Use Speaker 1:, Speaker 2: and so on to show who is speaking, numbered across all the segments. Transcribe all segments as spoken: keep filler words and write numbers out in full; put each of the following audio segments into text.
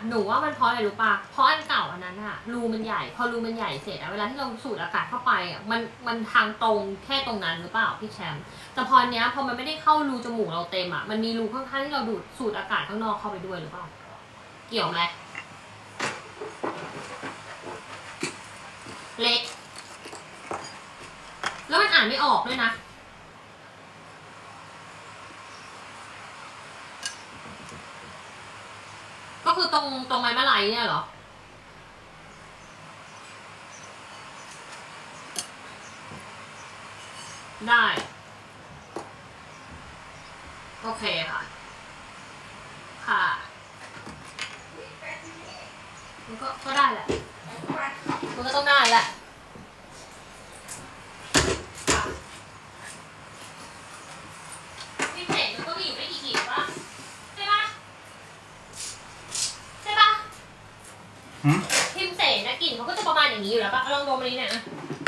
Speaker 1: หนูว่ามันเพราะอะไรรู้ป่ะเพราะอันเก่าอันนั้นอะรูมันใหญ่พอรูมันใหญ่เสร็จอะเวลาที่เราสูดอากาศเข้าไปอะมันมันทางตรงแค่ตรงนั้นหรือเปล่าพี่แชมป์แต่พอเนี้ยพอมันไม่ได้เข้ารูจมูกเราเต็มอะมันมีรูข้างๆที่เราดูดสูดอากาศข้างนอกเข้าไปด้วยหรือเปล่าเกี่ยวไหมเล็กแล้วมันอ่านไม่ออกด้วยนะก็คือตรงตรงไม้มะลัยเนี่ยเหรอได้โอเคค่ะค่ะมันก็ก็ได้แหละมันก็ต้องได้แหละพิเศษมันก็มีอยู่ไม่กี่กลิ่นป่ะใช่ป่ะใช่ป่ะพิมเสนนะกลิ่นเขาก็จะประมาณอย่างนี้อยู่แล้วป่ะลองดมอันนี้เนี่ย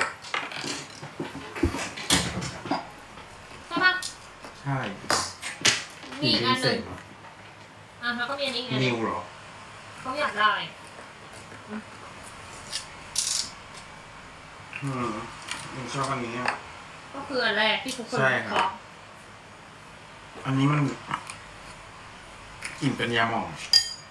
Speaker 1: ใช่ป่ะ
Speaker 2: ใช่
Speaker 1: มีอีกอันหนึ่งอ่ะแล้วก็มีอันนี้ไง
Speaker 2: นิวเหรอ
Speaker 1: เขาอยากได้
Speaker 2: อืมผมชอบอันนี้
Speaker 1: ก็คืออันแรกที่ทุกคนเคาะ
Speaker 2: อันนี้มันกลิ่นเป็นยาหม่อง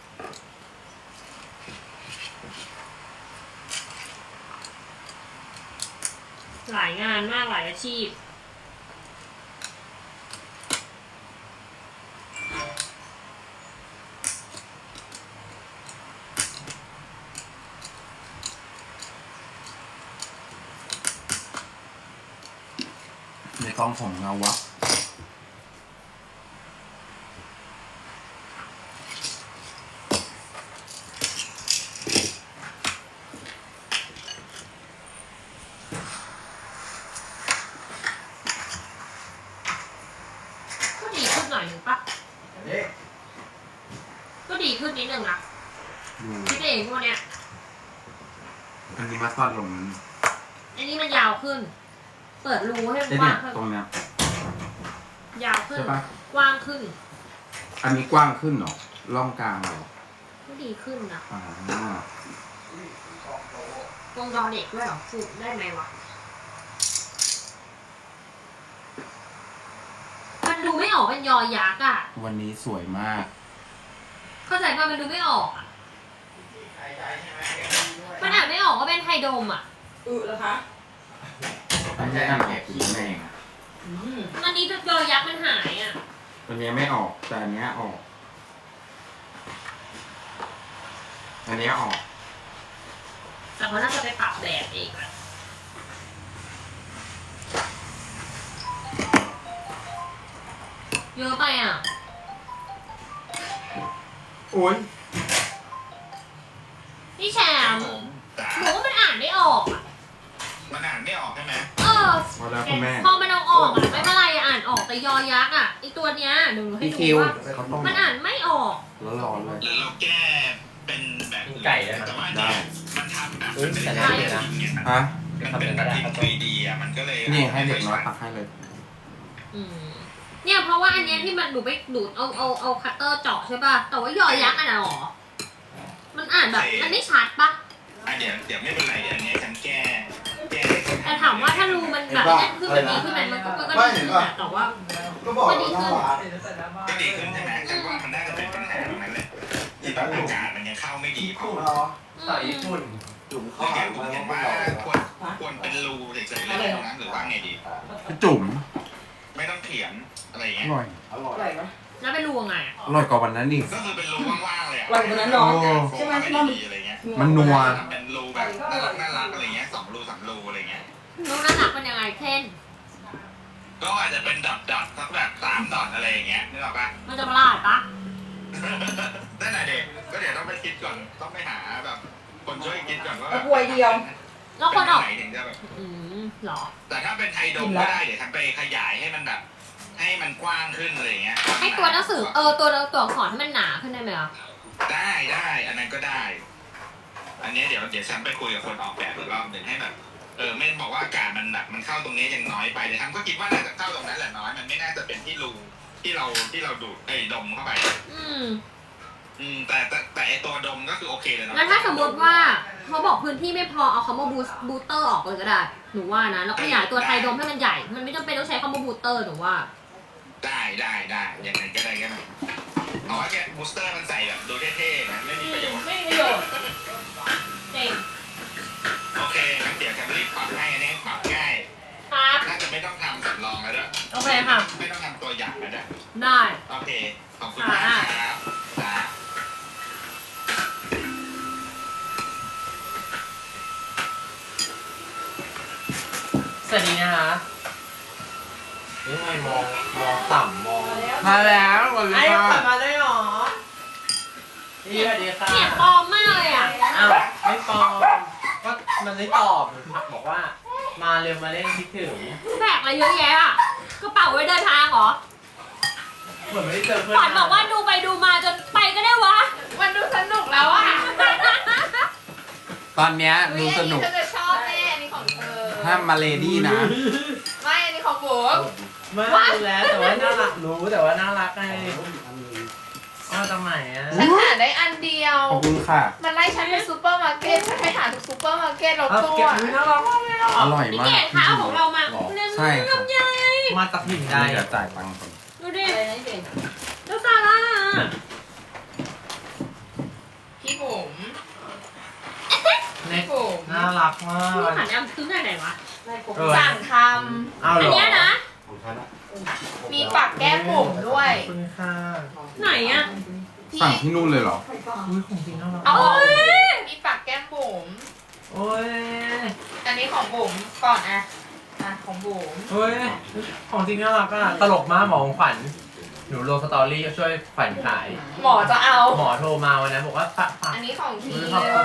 Speaker 1: หลายงานมากหลายอาชีพ
Speaker 2: ในกล้องผมเงาวะ
Speaker 1: ก็ดีขึ้นหน่อยหนึ่งปะก็ดีขึ้นนิดนึงนะพี่เองพวกเนี้ย
Speaker 2: อันนี้มาตัดลง
Speaker 1: อันนี้มันยาวขึ้นเปิดรูให้
Speaker 2: กว้างขึ้นตรงเนี้ย
Speaker 1: ยาวขึ้นกว้างขึ้น
Speaker 2: อันนี้กว้างขึ้นเหรอร่องกลางเหรอ
Speaker 1: ก็ดีขึ้นนะ
Speaker 2: อ๋อ
Speaker 1: ตรงดอเด็กด้วยเหรอสูดได้ไหมวะมันดูไม่ออกเป็นยอยักษ์อ่ะ
Speaker 2: วันนี้สวยมาก
Speaker 1: เข้าใจป่ะมันดูไม่ออกอ่ะมันอ่านไม่ออกก็เป็นไทยดมอ่ะ
Speaker 3: อือเหรอคะ
Speaker 2: ไม่ใช่อ่านแอบคิดแม่งอ่ะ
Speaker 1: อันนี้ยอยักษ์มันหายอ่ะ
Speaker 2: อันนี้ไม่ออกแต่อันนี้ออกอันนี้ออก
Speaker 1: แต่เขาน่าจะไปปรับแบบเองอะเยอะไปอ่ะ
Speaker 2: โอ้ย
Speaker 1: พี่แชมป์หนูว่ามันอ่านไม่ออกอ่ะ
Speaker 4: มันอ่านไม่ออกใช่ไหม
Speaker 1: เออพอมันเอาออกอ่ะไม่เป็นไรอ่านออกแต่ยอยักษ์อ่ะไอตัวเนี้ยหนูให้ดูว่ามันอ่านไม่ออก
Speaker 2: แล้วร้อนเลย
Speaker 4: หรือเราแก้เป็นแบบ
Speaker 3: ไก่ได้ไหม
Speaker 4: แต่ว่าเนี่ยมันทำแบบ
Speaker 3: มันไม่ได้นะ
Speaker 2: ฮะ
Speaker 4: มันเป็นแบบทรีดีอ่ะมันก็เลย
Speaker 2: นี่ให้เด็กน้อยตักให้เลย
Speaker 1: อืมเนี่ยเพราะว่าอันเนี้ยที่มันหนูไปดูดเอาเอาเอาคัตเตอร์เจาะใช่ป่ะแต่ว่ายอยักษ์อ่ะหรอมันอ่านแบบมันไม่ชัดป่ะ
Speaker 4: อ่ะเดี๋ยวเดี๋ยวไม่เป็นไรเดี๋ยวอันนี้ฉันแก้แก้
Speaker 1: แต่ถามว่าถ้ารูมันแบบนั่นคือมันดีขึ้นไหมมันก็มันก็ดีขึ้นแต่ว่าก็ดีขึ้น
Speaker 4: ก็ดีขึ้นใช่ไหมฉันว่ามันน่าจะเป็นปัญหาตรงนั้นแหละที่แบบอากาศมันยังเข้าไม่ดีพอ
Speaker 3: ต่อญี่ปุ่น
Speaker 4: จุ่มเข้าหาผมเห็นว่าควรควรเป็นรูเฉยๆเลยตรงนั้นหรือว่าไงดี
Speaker 2: จุ่ม
Speaker 4: ไม่ต้องเขียนอะไรอย่างเงี้ย
Speaker 2: อร่อย
Speaker 3: อร่อยไหม
Speaker 1: แล้วเป็นรูไง
Speaker 2: อร่อยกว่าวันนั้นนี่
Speaker 4: ก็คือเป็นรูว่างๆเลย
Speaker 3: อร่อยกว่านั้นเนาะ
Speaker 4: ใช่ไหมที่มันอะไรเงี้ย
Speaker 2: มันนัว
Speaker 4: เป็นรูแบบน่ารักน่ารักอะไรเงี้ยสองรูสามรูอะไรเงี้ย
Speaker 1: รูน่ารักเป็นยังไงเช่น
Speaker 4: ก็อาจจะเป็นดอทดอทสักแบบสามดอทอะไรอย่างเงี้ยนึกออกปะ
Speaker 1: มันจะประหลาดปะ
Speaker 4: นั่นแหละเด็กก็เดี๋ยวต้องไปคิดก่อนต้องไปหาแบบคนช่วยคิดก่อนว่าแบบ
Speaker 3: ป่วยเดียว
Speaker 1: แล้วคนออก
Speaker 4: ไหนถึงจะแบบ
Speaker 1: อืมหรอ
Speaker 4: แต่ถ้าเป็นไทยดมก็ได้เดี๋ยวทำไปขยายให้มันแบบให้มันกว้างขึ้นอะไรเงี้ย
Speaker 1: ให้ตัวหนังสือเออตัวตัวอักษรให้มันหนาขึ้นได้ไหมอ่ะ
Speaker 4: ได้ได้อันนั้นก็ได้อันนี้เดี๋ยวเดี๋ยวฉันไปคุยกับคนออกแบบอีกรอบหนึ่งให้แบบเออเม่นบอกว่าอากาศมันแบบมันเข้าตรงนี้ยังน้อยไปแต่ทั้งก็คิดว่าน่าจะเข้าตรงนั้นแหละน้อยมันไม่น่าจะเป็นที่รูที่เราที่เราดูดไอ้ดมเข้าไป
Speaker 1: อืม
Speaker 4: อืมแต่แต่แต่ไอตัวดมก็คือโอเคเลยเนาะ
Speaker 1: งั้นถ้าสมมติว่าเขาบอกพื้นที่ไม่พอเอาคำว่าบูสบูเตอร์ออกเลยก็ได้หนูว่านะแล้วขยายตัวไทยดมให้มันใหญ่มันไม่จำเป็นต้องใช้คำว่าบูเตอร์หนูว่า
Speaker 4: ได้ได้ได้ยังไงก็ได้ก็ได้เอาว่าแกบูสเตอร์มันใส่แบบดูเท่ๆนะไม่มีประโยชน์
Speaker 3: ไม่มีประโยชน์
Speaker 1: เจ๋ง
Speaker 4: โอเคงั้นเดี๋ยวแคมรีบปรับให้อันนี้ปรับง่าย
Speaker 1: ครับ
Speaker 4: น่าจะไม่ต้องทำสำรองแล้วด้วย
Speaker 1: โอเคค่ะ
Speaker 4: ไม่ต้องทำตัวอย่างแล้วด้วย
Speaker 1: ได้
Speaker 4: โอเคขอบคุณมากครับจ้า
Speaker 5: สวัสดีนะคะนี่ไงมองมองต่ำมอง
Speaker 2: มาแล้ววัน
Speaker 5: ไอ้
Speaker 2: นี้
Speaker 5: กลับมาได้หรอนี่สวัสดีค่ะ
Speaker 1: เสียงปลอมมากเลยอ่ะ
Speaker 5: อ้าวไม่ปลอมก็มันไม่ตอบผักบอกว่า มาเร็วมาเล่นคิดถึง
Speaker 1: แบกอะไรเยอะแยะอ่ะกระเป๋าไว้เดินทางเหรอ
Speaker 5: เหมือนไม่ได้เจอเพื่อน
Speaker 1: ขวัญบอกว่าดูไปดูมาจนไปก็ได้วะ
Speaker 3: มันดูสนุกแล้วอ่ะ
Speaker 2: ตอนเนี้ยดูสนุก
Speaker 3: เธอจะชอบแน่อันนี้ของเธอ
Speaker 2: ถ้ามาเลดี้นะ
Speaker 3: ไม่อันนี้ของผม
Speaker 5: ไม่รู้แล้วแต่ว่าน่ารักรู้แต่ว่าน่ารักไงอ๋อตรงไหนอ่ะ
Speaker 3: ฉันหาได้อันเดียว
Speaker 2: ขอบคุณค่ะ
Speaker 3: มันไล่ฉันไปซูเปอร์มาร์เก็ตฉันไปหาทุกซูเปอร์มาร์เก็ตแล้ว
Speaker 5: เอา
Speaker 3: ตัว
Speaker 5: เก็บอุ๊ยน่ารักมากเลยอ่ะ
Speaker 2: อร่อย
Speaker 1: พี่
Speaker 2: มาก
Speaker 1: เกดคะเอาของเรามา
Speaker 2: หรอ
Speaker 1: เล่น
Speaker 2: ใช่ค่ะ
Speaker 1: ลำไย
Speaker 5: มาจากถิ่นใด
Speaker 2: เดี๋ยวจ่ายตังค์ก่อน
Speaker 1: ดูดิแล้วซาร่า
Speaker 3: พี่บุ๋ม
Speaker 5: เน็ต
Speaker 3: บุ๋ม
Speaker 5: น่ารักมา
Speaker 1: พี่
Speaker 5: ก
Speaker 1: หันแอมซื้อไหนไหนวะ
Speaker 5: เออ
Speaker 3: สั่งท
Speaker 5: เอา
Speaker 1: อั
Speaker 5: เหร
Speaker 1: น
Speaker 5: อ
Speaker 1: เนี้ยนะ
Speaker 3: ำมีปักแก้มบุ๋มด้วย
Speaker 5: ขอบคุณค่ะ
Speaker 1: ไหนอ่ะ
Speaker 2: สั่งที่นู่นเลยเหรอ
Speaker 5: อุ้ยของจริงน่ารัก
Speaker 3: เอา
Speaker 1: โอ้ย
Speaker 3: มีปักแก้มบุ๋ม
Speaker 5: โอ้ย
Speaker 3: อันนี้ของบุ๋มก่อนอะอ่ะของบุ๋ม
Speaker 5: เฮ้ย ของจริงน่ารักอ่ะ ตลกมากหมอของขวัญ หนูลงสตอรี่ช่วยขวัญขาย
Speaker 3: หมอจะเอา
Speaker 5: หมอโทรมาวันนั้นบอกว่าฝากฝาก
Speaker 3: อันนี้ของที
Speaker 5: ขอบคุณ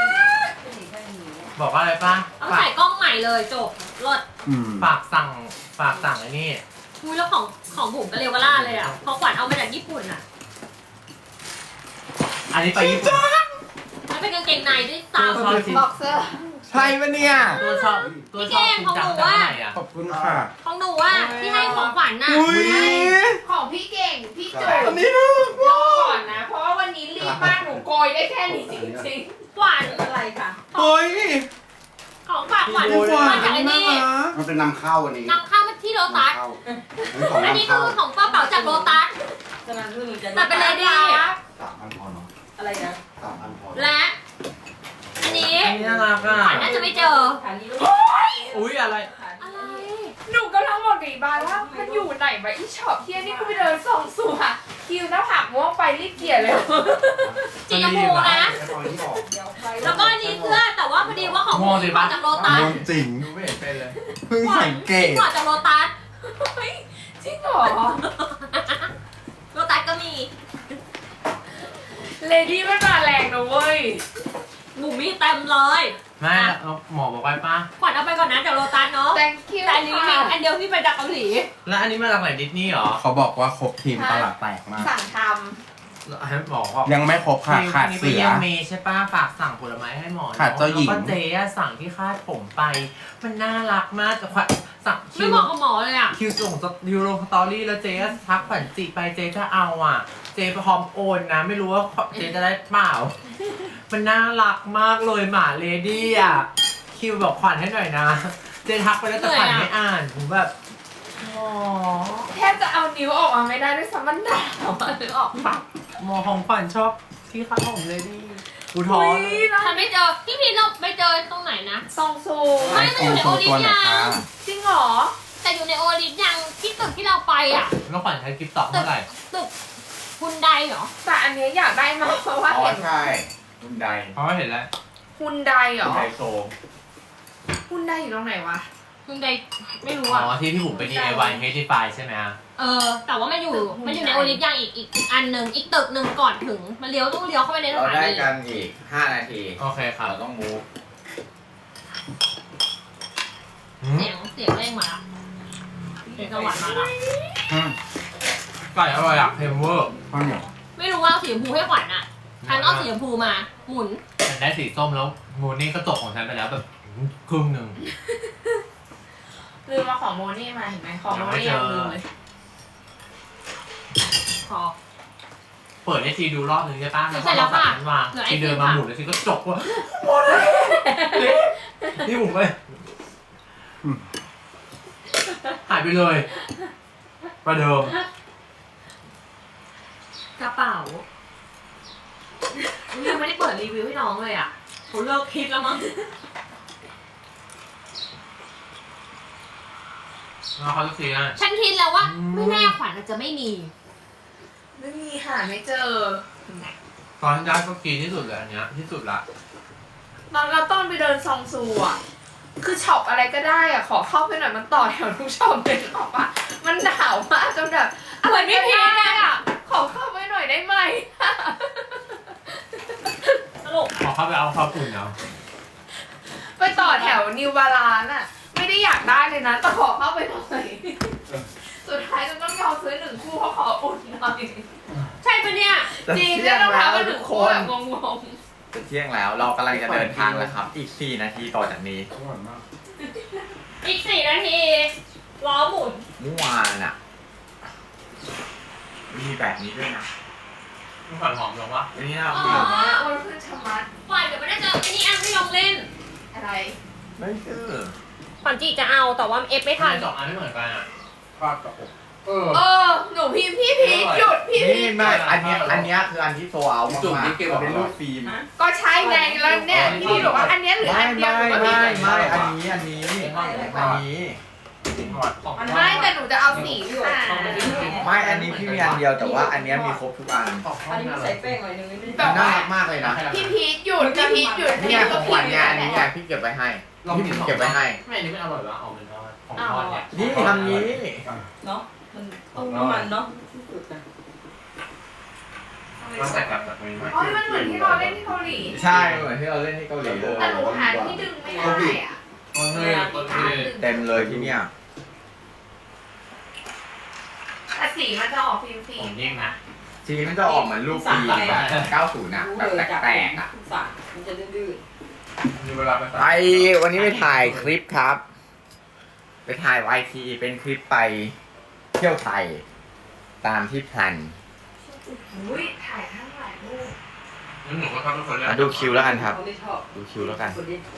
Speaker 5: บอกว่าอะไรป้า
Speaker 1: ต้อง
Speaker 5: ฝาก
Speaker 1: ใส่กล้องใหม่เลยจบรถ
Speaker 2: อืม
Speaker 5: ฝากสั่งฝากสั่งไอ้นี่
Speaker 1: อุ้ยแล้วของของบุ๋มก็เร็วกว่าล่าเลยอ่ะพอขวัญเอามาจากญี่ปุ่นอ่ะ
Speaker 5: อันนี้ไปญี่ปุ่น
Speaker 1: มันเป็นกางเกงในด้วย
Speaker 5: ตัว
Speaker 1: ซ้ำ
Speaker 5: ชอบจริง
Speaker 3: บ็อกเซอร์
Speaker 2: ใช่ปะเนี่ย
Speaker 5: ตัวชอบตัวชอบจริงจังแต่เมื่อไหร่อ่ะ
Speaker 2: ขอบคุณค่ะ
Speaker 1: ของหนูอ่ะที่ให้ของขวัญน่ะ
Speaker 2: อุ้ย
Speaker 3: ของพี่เก่ง พี่จุ๋
Speaker 2: อัน
Speaker 3: ม
Speaker 2: นี้น่ารัก
Speaker 3: ร
Speaker 2: มา
Speaker 3: อก ก่อนนะ เพราะว่าวันนี้รีบมากหนูโกยได้แค่นี้จริง
Speaker 1: ขวัญ
Speaker 3: ๆอะไรคะ
Speaker 2: เฮ้ย
Speaker 1: ของฝากขวัญ
Speaker 2: ขวัญ
Speaker 1: มาจากไอ้
Speaker 2: น่า
Speaker 1: นี่
Speaker 2: รัก
Speaker 6: มันเป็นนำเข้าอันนี้
Speaker 1: นำเข้ามาที่โลตัส
Speaker 6: นำเข้าอันนี้ของ
Speaker 1: อันนี้
Speaker 6: นำ
Speaker 1: คื
Speaker 6: เข้า
Speaker 1: อของกระเป๋าจากโลตัสแต่เป็นเลดี้
Speaker 6: สามอันพอเนาะ
Speaker 3: อะไรนะ
Speaker 6: สามอันพอ
Speaker 1: และ อันนี้
Speaker 5: อันนี้น่ารักอ่ะ
Speaker 1: ขวัญน่าจะไม่เจอ
Speaker 5: อุ้ยอะไร
Speaker 1: อะไร
Speaker 3: หนูกำลังบอกดีบายว่ามันอยู่ไหนวะอีช็อปเที่ยนี่กูไปเดินส่องสู่อะคิวหน้าผากม่วงไปรีบเกลี่ยเลย
Speaker 1: สีชมพูนะ
Speaker 6: แล้วตอนนี้บอก
Speaker 1: แล้วก็อันนี้เสื้อแต่ว่าพอดีว่าของ
Speaker 5: มองสิ
Speaker 1: พี่
Speaker 5: ปะ
Speaker 1: มาจากโลตัส
Speaker 2: โดนจริง
Speaker 5: ดูไม่เห็นเป็นเลย
Speaker 2: เพิ่งสังเกต
Speaker 1: พี่มาจากโลตัส
Speaker 3: เฮ้ยจริงเหรอ
Speaker 1: โลตัสก็มี
Speaker 3: เลดี้มันมาแรงนะเว้ย
Speaker 1: หมูมีเต็มเลย
Speaker 5: ไม่เอาหมอบอกไว้ป้า
Speaker 1: ขวัญเอาไปก่อนนะจากโลตัสเนาะ
Speaker 3: thank you
Speaker 1: แต่อันนี้มี
Speaker 3: ค่ะ
Speaker 1: อันเดียวที่ไปจากเกาหลี
Speaker 5: แล้วอันนี้มาจากไหนดิสนีย์เหรอ
Speaker 2: เขาบอกว่าครบทีมตลาดแตกมาก
Speaker 3: สั่งท
Speaker 5: ให้หมอบอก
Speaker 2: ยังไม่ครบค่ะ ขาด
Speaker 5: นี่ไป
Speaker 2: เสือ
Speaker 5: เยี่ยมเมย์ใช่ป้าฝากสั่งผลไม้ให้หมอ
Speaker 2: ขาดเจ้าหญิง
Speaker 5: แล้วก็เจ๊อะสั่งที่คาดผมไป มันน่ารักมากแต่ขวัญสั่งคิ
Speaker 1: ไม่
Speaker 5: ว
Speaker 1: เหมาะกับหมอเลยอ่ะ
Speaker 5: คิวส่งยูโรสตอรี่แล้วเจ๊ก็ทักขวัญจิไปเจ๊จะเอาอ่ะ เจ๊พร้อมโอนนะ ไม่รู้ว่าเจ๊จะได้เปล่า มันน่ารักมากเลยหมาเลดี้อ่ะ คิวบอกขวัญให้หน่อยนะ เจ๊ทักไปแล้วแต่ขวัญไม่อ่านผมแบบอ๋อ
Speaker 3: ำแทบจะเอานิ้วออกมาไม่ได้ด้วยซ้ำมันหนาวอะนึกออกปะ
Speaker 5: หมอของขวัญชอบที่คาดผมเลดี้กูท้อ
Speaker 3: อุ้
Speaker 5: เลย
Speaker 3: ยนะ
Speaker 1: ฉันไม่เจอพี่พีทเราไปเจอตรงไหนนะ
Speaker 3: ซองซู
Speaker 1: ไม่
Speaker 2: ไอโฟนโชว์ตัวหน่อยค่ะ
Speaker 3: จริงเหรอ
Speaker 1: แต่อยู่ในโอลิฟยังที่ตึกที่เราไปอ่ะ
Speaker 5: แล้วขวัญใช้กิฟต์ตอบเท่าไหร่
Speaker 1: ตึกฮุนไดเหรอ
Speaker 3: แต่อันเนี้ยอยากได้มากเพราะว่า
Speaker 6: อ๋อ
Speaker 3: เห็น
Speaker 6: ใช่คุณใด
Speaker 5: เพราะว่าเห็นแล้ว
Speaker 3: ฮุนไดเหรอ
Speaker 6: ไดโซ
Speaker 3: ฮุนไดอยู่ตรงไหนวะ
Speaker 1: ฮุนไดไม่รู้
Speaker 5: อ๋
Speaker 1: อ่ะ
Speaker 5: อที่พี่บุ๋มไป ดี ไอ วาย เฮดิฟายใช่ไหมฮะ
Speaker 1: เออ แต่ว่ามันอยู่มันอยู่ในโอลิฟยังอีกอีกอีกอันหนึ่งอีกตึกหนึ่งก่อนถึงมันเลี้ยวต้องเลี้ยวเข้าไปในส
Speaker 6: เรา
Speaker 1: ถา
Speaker 6: ได้
Speaker 1: นี
Speaker 6: กันอีกห้านาที
Speaker 5: โอเคครับ
Speaker 6: เราต้องมูฟ
Speaker 5: หืม
Speaker 1: เสียงเสียงเร่งมาละเสียงสวรรค์มาละ
Speaker 2: อืม
Speaker 5: ไก่อร่อยอะเทมเวอร์
Speaker 2: ข้าวเหนียว
Speaker 1: ไม่รู้ว่าเอาสีชมพูให้ขวัญอ่ะฉันเอาสีชมพูมาหมุน
Speaker 5: ฉันได้สีส้มแล้วมูนี่ก็ตกของฉันไปแล้วแบบครึ่งหนึ่ง
Speaker 3: ลืมมาของโมนี่มาเห็นไหมของโมนี่ยังลืมเลย
Speaker 1: พอ
Speaker 5: เปิดให้ทีดูรอบนึงใช่ปะ
Speaker 1: เสร็จแล้วค่ะ
Speaker 5: มันวาง
Speaker 1: เหลือไอ
Speaker 5: ที
Speaker 1: ติม
Speaker 5: เดินมา
Speaker 1: ค่ะ
Speaker 5: หมุนแล้วทีก็จกว่าหมดเลยเละนี่ผมไปหายไปเลยประเดิม
Speaker 1: กระเป๋ายังไม่ได้เปิดรีวิวให้น้องเลยอ่ะเขาเลิกคิดแล้วมั้ง
Speaker 5: แล้วเขาจะซื้ออะไร
Speaker 1: ฉันคิดแล้วว่า
Speaker 5: อืม
Speaker 1: ไม่แน่ขวัญอาจจะไม่มี
Speaker 3: ไม่มีหาไม่เจอ
Speaker 5: ตอนได้ก็กินที่สุดเลยอันเนี้ยที่สุดละ
Speaker 3: ตอนเราต้นไปเดินซองซูอ่ะ คือช็อปอะไรก็ได้อ่ะ ขอเข้าไปหน่อยมันต่อแถวทุกช็อปเลยหรอกปะมันหนาวมากจนแบบอะไรไม่พีคเลยอ่ะ ขอเข้าไปหน่อยได้ไหม
Speaker 1: ตลก
Speaker 5: พอเข้าไปเอาข้าวปุ่นเอา
Speaker 3: ไปต่อแถวนิวบาลานอ่ะ ไม่ได้อยากได้เลยนะแต่ขอเข้าไปหน่อย สุดท้ายจะต้องยอมซื้อหนึ่งคู่เพราะขออุ่นหน่อย
Speaker 1: ใช่ปะเนี่ย
Speaker 3: จริงได้รองเท้ามาหนึ่งคู่แบบงง
Speaker 6: จะเที่ยงแล้วเรากำลังจะเดินทางแล้วครับ อีกสี่นาทีต่อจากนี้
Speaker 2: อร่อยมาก
Speaker 1: อีกสี่นาทีล้อหมุน
Speaker 6: เมื่อวานอ่ะ มีแบบนี้ด้วยนะ
Speaker 5: มีขวัญหอมลงวะ
Speaker 6: อันนี้เรา
Speaker 1: อ๋
Speaker 6: คือ
Speaker 1: อ
Speaker 3: ๆอ้วนขึ้นชะมัด
Speaker 1: ขวัญเดี๋ยวไม่ได้เจอไอ้นี่อันให้ลองเล่น
Speaker 3: อะไร
Speaker 6: ไม่คือ
Speaker 1: ขวัญจีจะเอาแต่ว่าเอฟไม่
Speaker 5: ทำ
Speaker 1: ทัน
Speaker 5: ไมสองอันไม่เหมือนกันอ่ะ
Speaker 2: ภาพกับอกเออ
Speaker 3: เออ หนูพิมพ์พี่พีชหยุดพี่พี
Speaker 6: นี่
Speaker 3: ช
Speaker 6: ไม่อันเนี้ยอันเนี้ยคืออันที่โซเอามาก
Speaker 2: จุ่ม
Speaker 6: ๆ
Speaker 2: ที่เก็บ
Speaker 6: มันเป็นรูปฟิล์ม
Speaker 3: ก็ใช่ไงแล้วเนี่ยพี่พีชบอกว่าอันเนี้ยหรือ
Speaker 6: ไม่
Speaker 3: อันเดียว
Speaker 6: ไม่
Speaker 3: หนูก็
Speaker 6: ไม่
Speaker 3: ผิด
Speaker 6: ไม่อันนี้อันนี้อันนี้
Speaker 5: ของ
Speaker 3: ไม่แต่หนูจะเอาสีค่ะ
Speaker 6: ไม่อันนี้พี่มีอันเดียวแต่ว่าอันเนี้ยมีครบทุกอัน
Speaker 5: อันนี้ใส่เป้ง
Speaker 6: มันน่ารักมากเลยนะ
Speaker 3: พี่พีชหยุดพี่พีชหยุด
Speaker 6: นี่
Speaker 3: พี่
Speaker 6: ไง
Speaker 3: ก็
Speaker 6: ของข
Speaker 3: ผิ
Speaker 6: วั
Speaker 3: ด
Speaker 6: ญ
Speaker 3: อ
Speaker 6: ไง
Speaker 3: ยู่
Speaker 6: อันนี้ไง
Speaker 3: แล้ว
Speaker 6: พี่เก็บไว้ให้พี่พิมเก็บไว้ให้
Speaker 5: ไม่อันนี้ไม่อร่อยวะเอาเป็นของทอดเนี่ย
Speaker 6: นี่ทำนี้
Speaker 7: เนาะมันต้มน้ำมันเนาะ
Speaker 2: มาใส่กับแบบนี้ไหม
Speaker 3: อ๋อมันเหมือนที่เราเล่นที่เกาหลี
Speaker 6: ใช่เหมือนที่เราเล่นที่เกาหลีเลย
Speaker 3: แต่หนูหาที่ดึงไม่ได้อ่ะ
Speaker 5: โอเคโอเค
Speaker 6: เต็มเลยที่เนี่ย
Speaker 3: แต่สีมันจะออกฟิล์มฟิ
Speaker 5: ผ
Speaker 3: ล์
Speaker 5: ม
Speaker 3: ม
Speaker 5: ยิ่งนะ
Speaker 6: ทีนี้มันจะออกเหมือนรูปฟิล์มแบบเก้าสิบนะแบบแตกๆอ่ะ
Speaker 7: สารมันจะดื้อ
Speaker 2: มีเวลาไป
Speaker 6: ไปวันนี้ไปถ่ายคลิปครับ ไปถ่ายไวทีเป็นคลิปไปเที่ยวไทย ตามที่แพลน
Speaker 3: อุ้ยถ่ายทั้งหลายรูป
Speaker 2: งั้นหนูก็ทำทุกคนเลย
Speaker 6: อ่ะดูคิวแล้วกันครับ
Speaker 7: เขาไม่ชอบ
Speaker 6: ดูคิวแล้วกัน
Speaker 7: คนนี้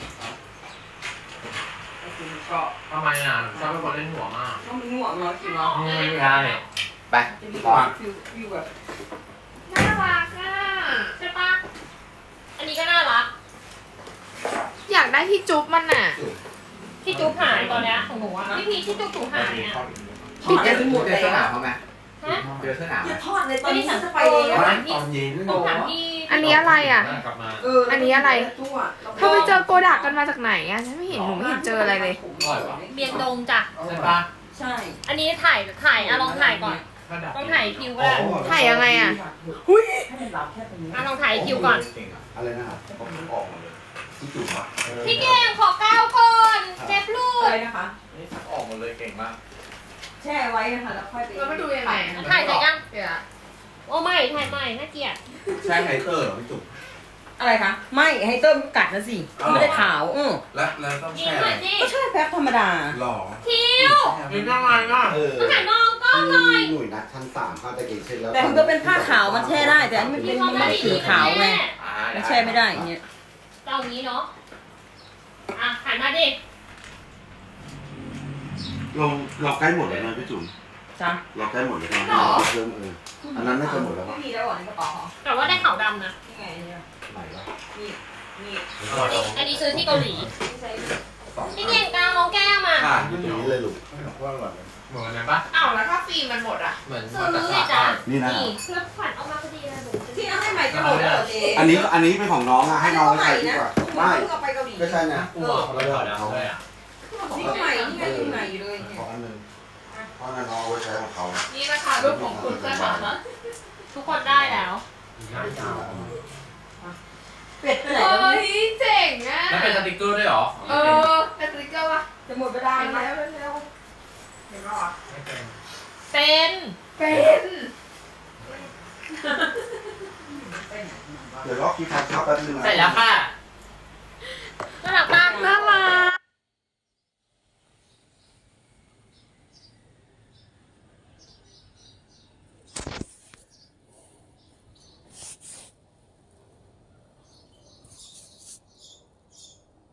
Speaker 7: ไอ้คนชอบ
Speaker 5: ทำไมอ่ะชอบเป็นคนเล่นหัวมาก
Speaker 7: ต้องมันง่วงเนาะคิวเนาะ
Speaker 5: ไม่ได้
Speaker 6: ไป
Speaker 7: จะมี
Speaker 6: ต่อ
Speaker 7: ฟิวฟิวแบบ
Speaker 3: น่ารักอ่ะ
Speaker 1: ใช่ปะอันนี้ก็น่ารัก
Speaker 3: อยากได้ที่จุ๊บมันอ่ะ
Speaker 1: ที่จุ๊บหายตอนเนี้ยของหนูอะพี่พีชที่จุ๊บถูหายเนี่ย
Speaker 7: ปิดจะหมด
Speaker 6: เจ
Speaker 7: เล
Speaker 6: อย เสื้อหนาวเขาไหม
Speaker 1: ฮะ
Speaker 6: เจอเสื้อหนาวไหม
Speaker 7: อย่าทอดเลยตอนนี้ฉันจะไปเอง
Speaker 2: ไม่
Speaker 7: อะ
Speaker 2: ตอนเย็น
Speaker 1: ต้องถามพี่
Speaker 3: อันนี้อะไรอ่ะ
Speaker 5: กลับมา
Speaker 7: เออ
Speaker 3: อันนี้อะไร
Speaker 7: ตู้
Speaker 3: เธอไปเจอโกดักกันมาจากไหนอ่ะฉันไม่เห็นหนูไม่เห็นเจออะไรเลย
Speaker 1: เบียงดงจ้ะ
Speaker 5: ใช่ปะ
Speaker 7: ใช่
Speaker 1: อันนี้ถ่ายถ่ายอะลองถ่ายก่อนต้องถ่ายคิวก็ได้
Speaker 3: ถ่ายยังไงอ่ะ
Speaker 7: ให้มันรับแค่ตรงนี้
Speaker 1: อะลองถ่ายคิวก่อน
Speaker 2: อะไรนะครับผมออกมาเลยที่จุ่มอ่ะ
Speaker 1: พี่เก่งขอก้าวก่อนเจ็บลู
Speaker 7: อะไร
Speaker 1: ก
Speaker 7: นะคะ
Speaker 6: นี่สักออกหมดเลยเก่งมาก
Speaker 7: แช่ไว้นะคะแล้วค่อยไป
Speaker 3: แล้วมาดูยังไงอะ
Speaker 1: ถ่ายเสร็จยัง
Speaker 3: เดี๋ยวอะ
Speaker 1: โอ้ไม่ถ่ายใหม่น่าเกลียด
Speaker 2: ใช่ไฮเตอร์เหรอพี่จุ่ม
Speaker 7: อะไรคะไม่ให้เติมกัดนะสิไม่ได้ขาวอือ
Speaker 2: แล้วแล้วต้อง
Speaker 1: ยิง
Speaker 2: แช่
Speaker 1: หน่อยสิ
Speaker 7: ก็ใช่แพ็คธรรมดา
Speaker 2: หล่อ
Speaker 1: คิว
Speaker 5: เป็นยังไงอ่ะ
Speaker 8: เออ
Speaker 1: ต้องถ่ายมองกล้องหน่อย
Speaker 8: หน่วยนัดชั้นสามเข้าตะเกียงเช่นแล้ว
Speaker 7: แต่มันก็เป็นผ้าขาวมันแช่ได้แต่อันนี้มันเป็นมันไม่ได้สีขาวไง
Speaker 6: อ่า
Speaker 7: มันแช่ไม่ได้อย่างเงี้ย
Speaker 1: เอาอย่างนี้เนาะอ่ะหันมาดิ
Speaker 8: เราเราใกล้หมดแล้วนะพี่จุ๋ม
Speaker 7: จ้ะ
Speaker 8: เราใกล้หมดแล้วนะเราเพิ่มเอออันนั้นน่าจะหมดแล้ว
Speaker 7: ไม่
Speaker 8: ปะ
Speaker 7: มีแล้วเหรอในกระเป๋าเหรอ
Speaker 1: แต่ว่าได้ขาวดำนะ
Speaker 7: นี่ไงเนี่ย
Speaker 8: ไหนวะ
Speaker 7: นี่นี่
Speaker 1: อันนี้ซื้อที่เกาหลี
Speaker 7: ที่ใช้
Speaker 1: พี่เก่งกาวน้องแก้มอ่ะ
Speaker 8: อ่าอยู่ตรงนี้เลยลูก
Speaker 2: ว่าอร่อยเลย
Speaker 5: เหมือนกันปะ
Speaker 3: อ้าวแล้วถ้าฟิล์มมันหมดอ่ะ
Speaker 5: เหมือน
Speaker 1: ซื้อ
Speaker 5: มา
Speaker 1: เล
Speaker 5: จาก
Speaker 1: ยจ้ะ
Speaker 8: นี่นะ
Speaker 1: นี่เพื่อขวัญเอามาพอดีเลยหนู
Speaker 7: ที่เอาให้ใหม่จะหมดแล้วเหรอเจ๊
Speaker 8: อันนี้อันนี้เป็นของน้องอะให้น้องไปใช้ดีกว่า
Speaker 7: ไม่
Speaker 8: ไม่
Speaker 7: เพิ่งเอาไปเกาหลี
Speaker 8: ไม่ใช่นะ
Speaker 5: กูบอกเขาแล้วเขาด้วยอ่ะ
Speaker 7: นี่ก็ใหม่นี่ไงยังใหม่อยู่เลยเนี่ย
Speaker 8: ขออันหนึงเพราะนั้นน้องเอาไว้ใช้ของเขา
Speaker 3: นี่นะคะรูปของคุณเสื้อขาวนะ
Speaker 1: ทุกคนได้แล้ว
Speaker 7: เป็ดไปไหน
Speaker 3: เฮ้
Speaker 7: แล้ว
Speaker 3: ยเจ๋งอ่ะ
Speaker 5: แล้วเป็นสติกเกอร์ด้วยเหรอ
Speaker 3: เออเป็นสติ๊กเกอร์ปะ
Speaker 7: จะหมดเวลา
Speaker 3: เห็นไหม
Speaker 7: แล้ว
Speaker 3: เร็วเห็นปะวะ
Speaker 5: ไม่เป็น
Speaker 1: เป็น
Speaker 3: เป็น
Speaker 8: เดี๋ยวรอคิดทางเข้าแป๊บนึงนะ
Speaker 5: เสร็จแล้วค่ะ